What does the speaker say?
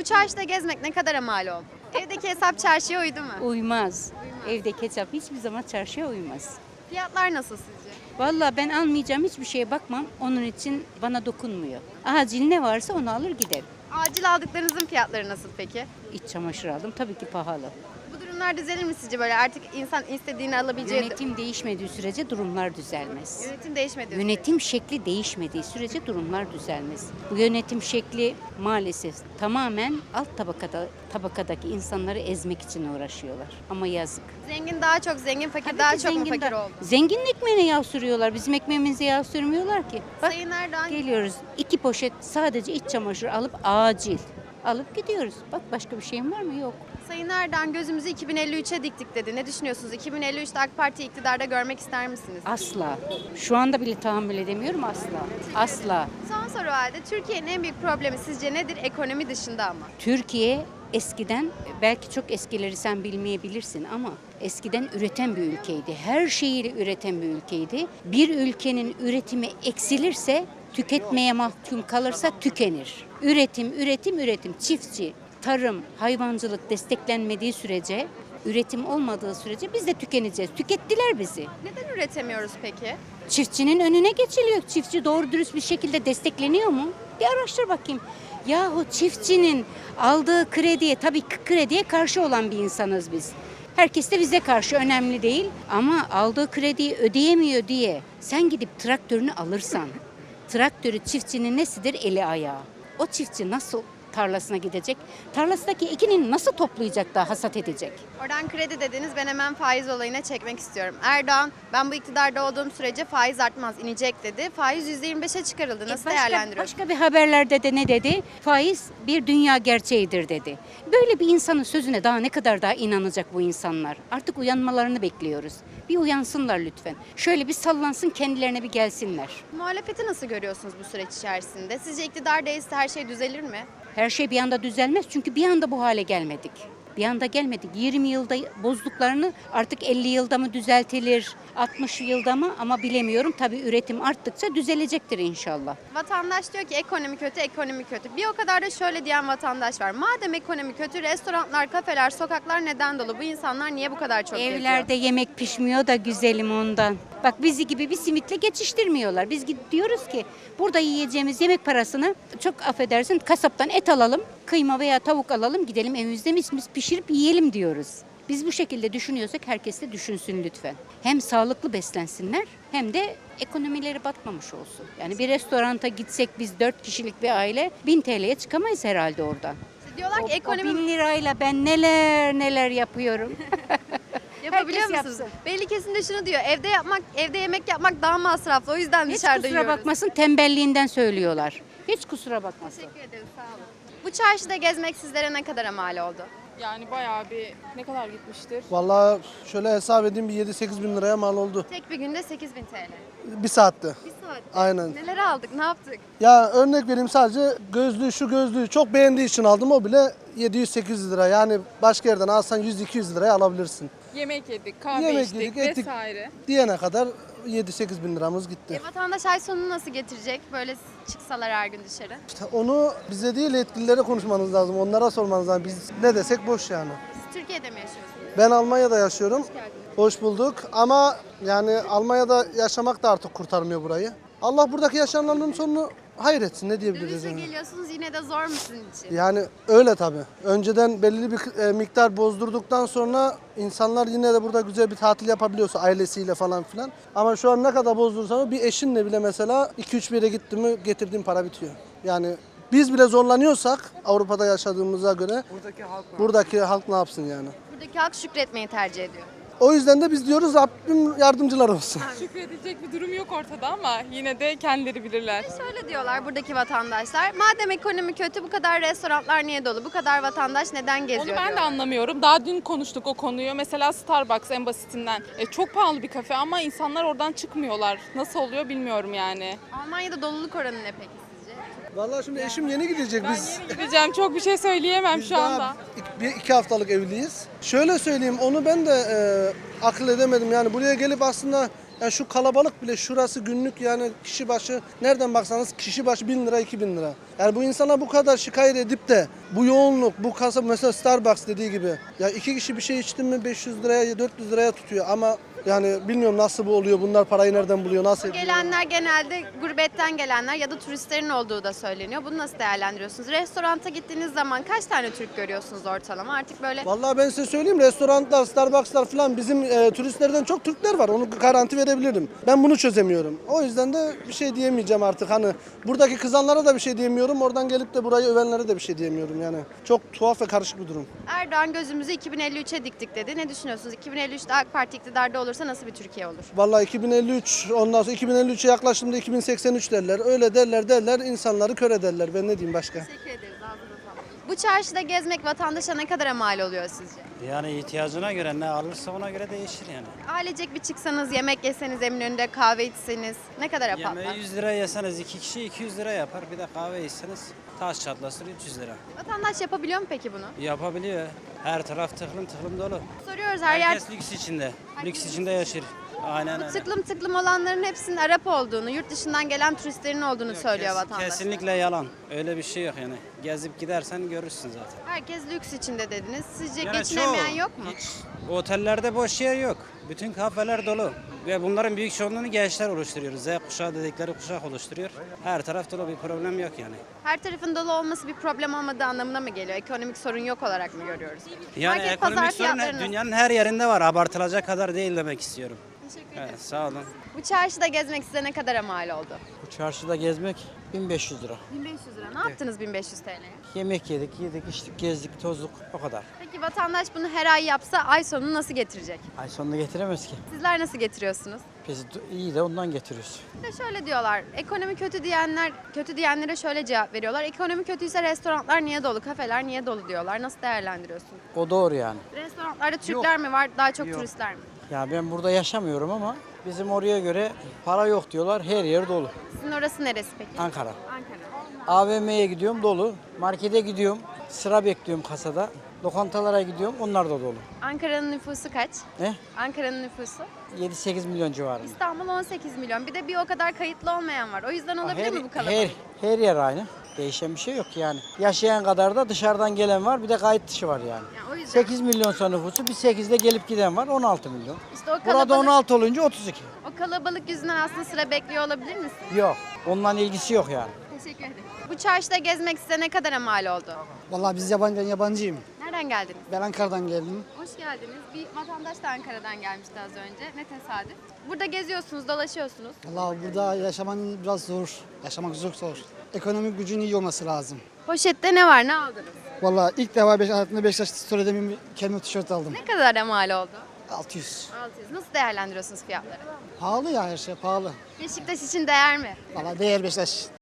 çarşıda gezmek ne kadar mal oldu? Evdeki hesap çarşıya uydu mu? Uymaz. Evdeki hesap hiçbir zaman çarşıya uymaz. Fiyatlar nasıl sizce? Vallahi ben almayacağım hiçbir şeye bakmam. Onun için bana dokunmuyor. Acil ne varsa onu alır giderim. Acil aldıklarınızın fiyatları nasıl peki? İç çamaşır aldım. Tabii ki pahalı. Bu durumlar düzelir mi sizce böyle artık insan istediğini alabileceği... Yönetim değişmediği sürece durumlar düzelmez. Yönetim değişmedi. Yönetim şekli değişmediği sürece durumlar düzelmez. Bu yönetim şekli maalesef tamamen alt tabakadaki insanları ezmek için uğraşıyorlar. Ama yazık. Zengin daha çok zengin, fakir Tabii daha ki çok mu zengin fakir de- oldu? Zenginin ekmeğine yağ sürüyorlar. Bizim ekmeğimize yağ sürmüyorlar ki. Bak Sayın Erdoğan geliyoruz 2 poşet sadece iç çamaşır alıp acil alıp gidiyoruz. Bak başka bir şeyim var mı? Yok. Sayın Erdoğan gözümüzü 2053'e diktik dedi. Ne düşünüyorsunuz? 2053'te AK Parti iktidarda görmek ister misiniz? Asla. Şu anda bile tahammül edemiyorum asla. Asla. Son soru halde Türkiye'nin en büyük problemi sizce nedir? Ekonomi dışında ama. Türkiye eskiden belki çok eskileri sen bilmeyebilirsin ama eskiden üreten bir ülkeydi. Her şeyiyle üreten bir ülkeydi. Bir ülkenin üretimi eksilirse, tüketmeye mahkum kalırsa tükenir. Üretim, üretim, üretim. Çiftçi, tarım, hayvancılık desteklenmediği sürece, üretim olmadığı sürece biz de tükeneceğiz. Tükettiler bizi. Neden üretemiyoruz peki? Çiftçinin önüne geçiliyor. Çiftçi doğru dürüst bir şekilde destekleniyor mu? Bir araştır bakayım. Yahu çiftçinin aldığı krediye, tabii ki krediye karşı olan bir insanız biz. Herkes de bize karşı önemli değil. Ama aldığı krediyi ödeyemiyor diye sen gidip traktörünü alırsan, traktörü çiftçinin nesidir? Eli ayağı. O çiftçi nasıl tarlasına gidecek? Tarlasındaki ekini nasıl toplayacak da hasat edecek? Oradan kredi dediniz, ben hemen faiz olayına çekmek istiyorum. Erdoğan ben bu iktidarda olduğum sürece faiz artmaz, inecek dedi. Faiz %25'e çıkarıldı. Nasıl değerlendiriyorsunuz? Başka bir haberlerde de ne dedi? Faiz bir dünya gerçeğidir dedi. Böyle bir insanın sözüne daha ne kadar daha inanacak bu insanlar? Artık uyanmalarını bekliyoruz. Bir uyansınlar lütfen. Şöyle bir sallansın, kendilerine bir gelsinler. Muhalefeti nasıl görüyorsunuz bu süreç içerisinde? Sizce iktidar değilse her şey düzelir mi? Her şey bir anda düzelmez çünkü bir anda bu hale gelmedik. Bir anda gelmedik. 20 yılda bozduklarını artık 50 yılda mı düzeltilir, 60 yılda mı ama bilemiyorum. Tabii üretim arttıkça düzelecektir inşallah. Vatandaş diyor ki ekonomi kötü, ekonomi kötü. Bir o kadar da şöyle diyen vatandaş var. Madem ekonomi kötü, restoranlar, kafeler, sokaklar neden dolu? Bu insanlar niye bu kadar çok geziyor? Evlerde yemek pişmiyor da güzelim ondan. Bak bizi gibi bir simitle geçiştirmiyorlar. Biz diyoruz ki burada yiyeceğimiz yemek parasını çok affedersin kasaptan et alalım, kıyma veya tavuk alalım gidelim evimizde mis pişirip yiyelim diyoruz. Biz bu şekilde düşünüyorsak herkes de düşünsün lütfen. Hem sağlıklı beslensinler hem de ekonomileri batmamış olsun. Yani bir restoranta gitsek biz 4 kişilik bir aile 1000 TL'ye çıkamayız herhalde oradan. Diyorlar ki O ekonomi 1000 lirayla ben neler yapıyorum. yapabiliyor herkes musunuz? yapsın. Belli kesimde şunu diyor. Evde yemek yapmak daha masraflı. O yüzden Hiç dışarıda kusura yiyoruz. bakmasın tembelliğinden söylüyorlar. Hiç kusura bakmasın. Teşekkür ederim. Sağ olun. Bu çarşıda gezmek sizlere ne kadar mal oldu? Yani bayağı bir ne kadar gitmiştir? Vallahi şöyle hesap edeyim bir 7-8 bin liraya mal oldu. Tek bir günde 8.000 TL. Bir saatte. Bir saat. Aynen. Neler aldık, ne yaptık? Ya örnek vereyim sadece şu gözlüğü çok beğendiği için aldım o bile 700-800 lira. Yani başka yerden alsan 100-200 liraya alabilirsin. Yemek yedik, kahve Yemek içtik yedik, ettik. vesaire. Diyene kadar 7-8 bin liramız gitti. Vatandaş ay sonunu nasıl getirecek? Böyle çıksalar her gün dışarı. İşte onu bize değil yetkililere konuşmanız lazım. Onlara sormanız lazım. Biz ne desek boş yani. Siz Türkiye'de mi yaşıyorsunuz? Ben Almanya'da yaşıyorum. geldiniz. Hoş bulduk ama yani Almanya'da yaşamak da artık kurtarmıyor burayı. Allah buradaki yaşananların sonunu hayretsin ne diyebiliriz Dönüşe yani. geliyorsunuz yine de zor mu sizin için? Yani öyle tabii. Önceden belli bir miktar bozdurduktan sonra insanlar yine de burada güzel bir tatil yapabiliyorsa ailesiyle falan filan. Ama şu an ne kadar bozdurursan bir eşinle bile mesela 2-3 bir yere gitti mi getirdiğin para bitiyor. Yani biz bile zorlanıyorsak Avrupa'da yaşadığımıza göre buradaki halk ne yapsın yani? Buradaki halk şükretmeyi tercih ediyor. O yüzden de biz diyoruz Rabbim yardımcılar olsun. Şükredecek bir durum yok ortada ama yine de kendileri bilirler. Şöyle diyorlar buradaki vatandaşlar. Madem ekonomi kötü bu kadar restoranlar niye dolu? Bu kadar vatandaş neden geziyor Onu ben de diyorlar. anlamıyorum. Daha dün konuştuk o konuyu. Mesela Starbucks en basitinden. Çok pahalı bir kafe ama insanlar oradan çıkmıyorlar. Nasıl oluyor bilmiyorum yani. Almanya'da doluluk oranı ne peki sizce? Vallahi şimdi eşim yeni gidecek. Ben Biz yeni gideceğim. Çok bir şey söyleyemem Biz şu anda. daha 2 haftalık evliyiz. Şöyle söyleyeyim onu ben de akıl edemedim. Yani buraya gelip aslında Yani şu kalabalık bile şurası günlük yani kişi başı nereden baksanız kişi başı 1000 lira 2000 lira. Yani bu insana bu kadar şikayet edip de bu yoğunluk bu kasa mesela Starbucks dediği gibi ya 2 kişi bir şey içti mi 500 liraya 400 liraya tutuyor ama yani bilmiyorum nasıl bu oluyor bunlar parayı nereden buluyor nasıl ediyor? Gelenler genelde gurbetten gelenler ya da turistlerin olduğu da söyleniyor. Bunu nasıl değerlendiriyorsunuz? Restoranta gittiğiniz zaman kaç tane Türk görüyorsunuz ortalama? Artık böyle Vallahi ben size söyleyeyim restoranlar, Starbucks'lar falan bizim turistlerden çok Türkler var. Onu garanti verebilirim. Ben bunu çözemiyorum. O yüzden de bir şey diyemeyeceğim artık. Hani buradaki kızanlara da bir şey diyemiyorum. Oradan gelip de burayı övenlere de bir şey diyemiyorum yani. Çok tuhaf ve karışık bir durum. Erdoğan gözümüzü 2053'e diktik dedi. Ne düşünüyorsunuz? 2053'te AK Parti iktidarda olursa nasıl bir Türkiye olur? Vallahi 2053 ondan sonra 2053'e yaklaştığımda 2083 derler. Öyle derler insanları kör ederler. Ben ne diyeyim başka? Teşekkür ederiz. Bu çarşıda gezmek vatandaşa ne kadar mal oluyor sizce? Yani ihtiyacına göre ne alırsa ona göre değişir yani. Ailecek bir çıksanız, yemek yeseniz, Eminönü'nde kahve içseniz ne kadar yapar? Yemeği 100 lira yeseniz 2 kişi 200 lira yapar. Bir de kahve içseniz taş çatlasın 300 lira. Vatandaş yapabiliyor mu peki bunu? Yapabiliyor. Her taraf tıklım tıklım dolu. Soruyoruz her yer. Herkes lüks içinde. Lüks içinde yaşır. Aynen öyle. Tıklım tıklım olanların hepsinin Arap olduğunu, yurt dışından gelen turistlerin olduğunu söylüyor vatandaş. Kesinlikle yalan. Öyle bir şey yok yani. Gezip gidersen görürsün zaten. Herkes lüks içinde dediniz. Sizce Yani geçinemeyen çoğu, yok mu? hiç otellerde boş yer yok. Bütün kafeler dolu. Ve bunların büyük çoğunluğunu gençler oluşturuyor. Z kuşağı dedikleri kuşak oluşturuyor. Her taraf dolu, bir problem yok yani. Her tarafın dolu olması bir problem olmadığı anlamına mı geliyor? Ekonomik sorun yok olarak mı görüyoruz? Yani Market, pazar ekonomik sorun fiyatları nasıl? dünyanın her yerinde var. Abartılacak kadar değil demek istiyorum. Teşekkür ederim. Evet, sağ olun. Bu çarşıda gezmek size ne kadar mal oldu? Bu çarşıda gezmek 1500 lira. 1500 lira. Ne yaptınız 1500 TL'ye? Yemek yedik, içtik, gezdik, tozduk. O kadar. Peki vatandaş bunu her ay yapsa ay sonunu nasıl getirecek? Ay sonunda getiremez ki. Sizler nasıl getiriyorsunuz? Biz iyi de ondan getiriyoruz. Bir de şöyle diyorlar, ekonomi kötü diyenler, kötü diyenlere şöyle cevap veriyorlar. Ekonomi kötüyse restoranlar niye dolu, kafeler niye dolu diyorlar. Nasıl değerlendiriyorsun? O doğru yani. Restoranlarda Türkler mi var, daha çok Yok. turistler mi? Ya ben burada yaşamıyorum ama bizim oraya göre para yok diyorlar. Her yer dolu. Sizin orası neresi peki? Ankara. Ankara. AVM'ye gidiyorum dolu. Markete gidiyorum. Sıra bekliyorum kasada. Lokantalara gidiyorum. Onlar da dolu. Ankara'nın nüfusu kaç? Ne? Ankara'nın nüfusu? 7-8 milyon civarında. İstanbul 18 milyon. Bir de bir o kadar kayıtlı olmayan var. O yüzden olabilir mi bu kalabalık? her yer aynı. Değişen bir şey yok yani. Yaşayan kadar da dışarıdan gelen var. Bir de kayıt dışı var yani. Yani o yüzden. 8 milyon son nüfusu, bir 8'de gelip giden var, 16 milyon. İşte o Burada kalabalık, 16 olunca 32. o kalabalık yüzünden aslında sıra bekliyor olabilir misin? Yok, ondan ilgisi yok yani. Teşekkür ederim. Bu çarşıda gezmek size ne kadar mal oldu? Vallahi ben yabancıyım. Nereden geldiniz? Ben Ankara'dan geldim. Hoş geldiniz. Bir vatandaş da Ankara'dan gelmişti az önce. Ne tesadüf. Burada geziyorsunuz, dolaşıyorsunuz. Vallahi burada yaşaman biraz zor. Yaşamak çok zor. Ekonomik gücün iyi olması lazım. Poşette ne var, ne aldınız? Vallahi ilk defa hayatımda Beşiktaş story'de bir kendime tişört aldım. Ne kadar mal oldu? 600. 600. Nasıl değerlendiriyorsunuz fiyatları? Pahalı ya her şey pahalı. Beşiktaş için değer mi? Vallahi değer Beşiktaş.